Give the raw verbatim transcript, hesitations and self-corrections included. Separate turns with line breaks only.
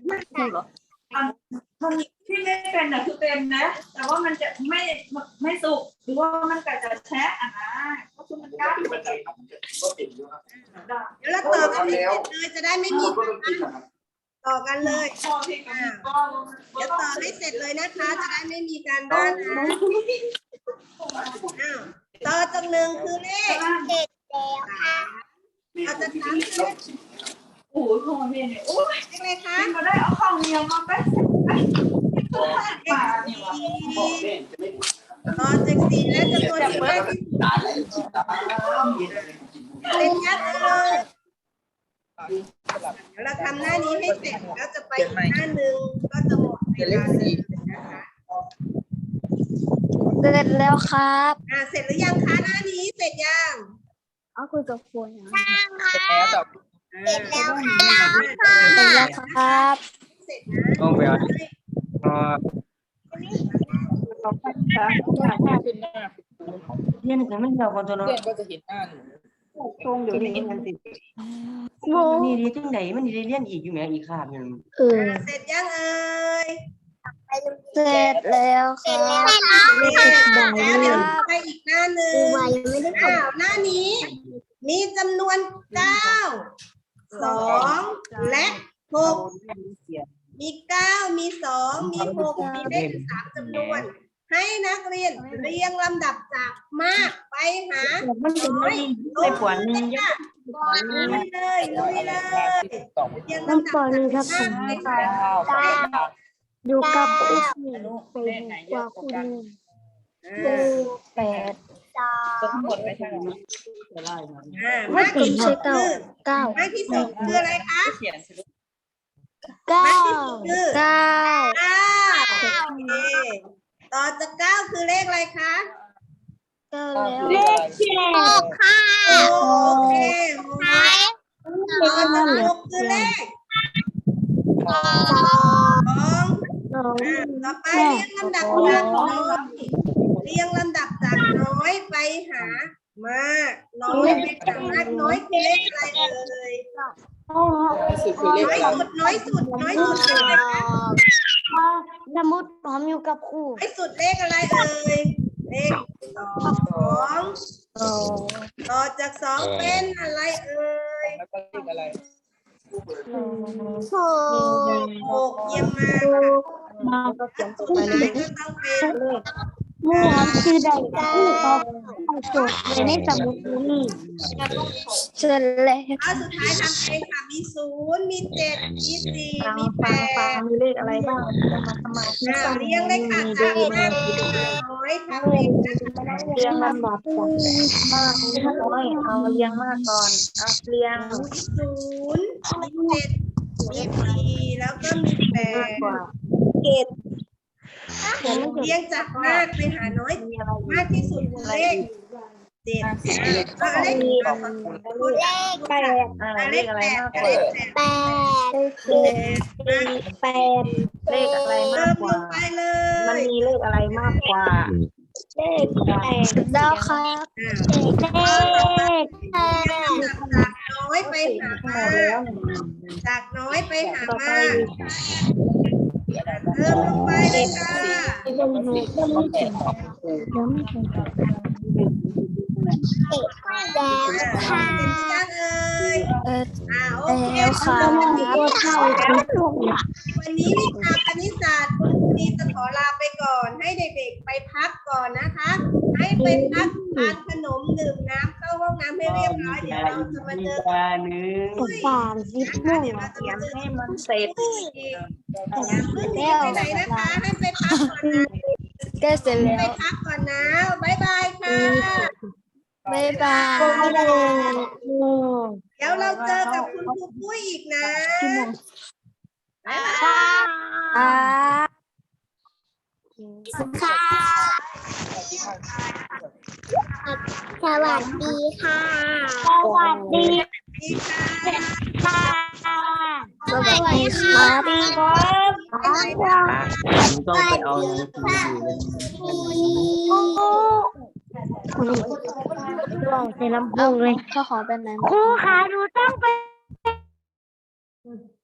ครูเหรอ
มันที่ไม่เป็นน่ะคือเป็นนะแต่ว่ามันจะไม่ไม่สุกหรือว่ามันก็จะแฉะอ่ะนะก็คือมันก้าวเดี๋ยวเราต่อกันเลยจะได้ไม่มีต่อกันเลยเดี๋ยวต่อให้เสร็จเลยนะคะจะได้ไม่มีการบ้านนะต่อจากหนึ่งคือเลขเจ็ดแล้วค่ะเราจะทำคือโอ้โหพอเพียงเนี่ยโอ้ยเลขอะไรคะเราได้เอาข้าวเหนียวมาไปไปต่อจากสี่และจำนวนที่มากที่สุดเป็นยัดเลยเดี๋ยวเราทำหน้านี้ให้เสร็จแล้วจะไปอีกหน้าหนึ่งก็จะหมดเวลานะคะ
เสร็จแล้วครับ
อ่าเสร็จหรือยังคะหน้านี้เสร็จยัง
อ๋อคุยกับคุณนะ
เสร็จแล้วค่ะเสร็จ
แล้วครับ
เสร็จนะต้องไปเอา
เรียนแต่ไม่เราคนตัวเนาะ
เรียนก็จะเห็นหน้าหนู
ตรงเดี๋ยวนี้มันสินี่ดีจังไหนมันดีเรียนอีกอยู่ไหมอีกขาบนึง
เออ
เสร็จยังเอ่ย
เสร็จแล้วครับ
เสร็จแล้วเดี๋ยวไปอีกหน้าหนึ่งอ้าวหน้านี้มีจำนวนเก้าสองและหกมีเก้ามีสองมีหกมีเลขสามจำนวนให้นักเรียนเรียงลำดับจากมากไปหาน้อยลงเลยค่ะลุยเลยลุยเลยเรียงลำดับจากมากไปหา
อยู่กับครูเป็นกว่าคุณครูแปด
ทั้งหมดไม่ใช่หรอ
มากที่สุดคือ
เก้าม
ากที่สุดคืออะไรคะ
เขียนสิลูก
เก้า
เก้า
เก้า
โอเคต่อจากเก้าคือเลขอะไรคะ
เก้าแล้ว
เลขที่
หกค่ะ
โอเคต่อจากหกคือเลข
สอง
สองต่อไปเรียงลำดับจากน้อยเรียงลำดับจากน้อยไปหามากน้อยไปหามากน้อยคือเลขอะไรเอ่ยน้อยสุดน้อยสุดน้อยสุดคืออะไรคะ
สมุดพร้อมอยู่กับครู
น้อยสุดเลขอะไรเอ่ยเลขสองต่อจากสองเป็นอะไรเอ่ย
แล้วก็เลขอะไร
หก
หกเยี่ยมมาก
มาก็เขียนต่อไปเลย
ก็ต้องเป็นเลข
เมื่อชื่อใดที่เขาจดในสมุดนี้เสร็จแล้ว
ข้อสุดท้ายทำเองค่ะมีศูนย์มีเจ็ดมีสี่มีแปด
มีเลขอะไรบ้างสมาธิ
สั้นเรียงเลยค่ะจากมากไปหาน้อยทำเองนะคะ
เรียงลำดับจากมากไปน้อยเอาเรียงมากก่อนเอาเรียง
ศูนย์มีเจ็ดมีสี่แล้วก็มีแปด
เจ็ด
เรียงจากมากไปหาน้อยมากที่สุดคือเลขเจ็ดก็เลข
เลขแปด
เลขแปดเลขแปด
แปดเลขอะไรมากกว่ามันมีเลขอะไรมากกว่าเลขแปดแล้วครับเลขแปด
จากน้อยไปหามากจากน้อยไปหามากเริ่มลงไปเลยค่ะ
แล้วค่ะ
เอ่ยอ่าโอเค
ค่ะ
วันนี้วิชาคณิตศาสตร์คุณครูดีจะขอลาไปก่อนให้เด็กๆไปพักก่อนนะคะให้ไปพักทานขนมดื่มน้ำเข้าห้องน้ำให้เรียบร้อยเดี๋ยวเราจะมาเจอกัน
สามสิบโมง
เขียนให้มันเสร็จอย่าเพิ่งหนีไปไหนนะคะให้ไปพักก่อนนะ
ก็เสร็จแล้ว
ไปพักก่อนนะบ๊ายบายค่ะ
บ๊ายบาย
เดี๋ยวเราเจอกับคุณครูปุ้ยอีกนะบ๊ายบาย
ค่ะค่ะสวัสดีค่ะสวัสดีค่ะสวัสดีครับ
ผมต้องไปเอาหนังสืออยู่
ลองใส่ลำโพงเลยเขาขอเป็นไหนครูขาดูต้องไป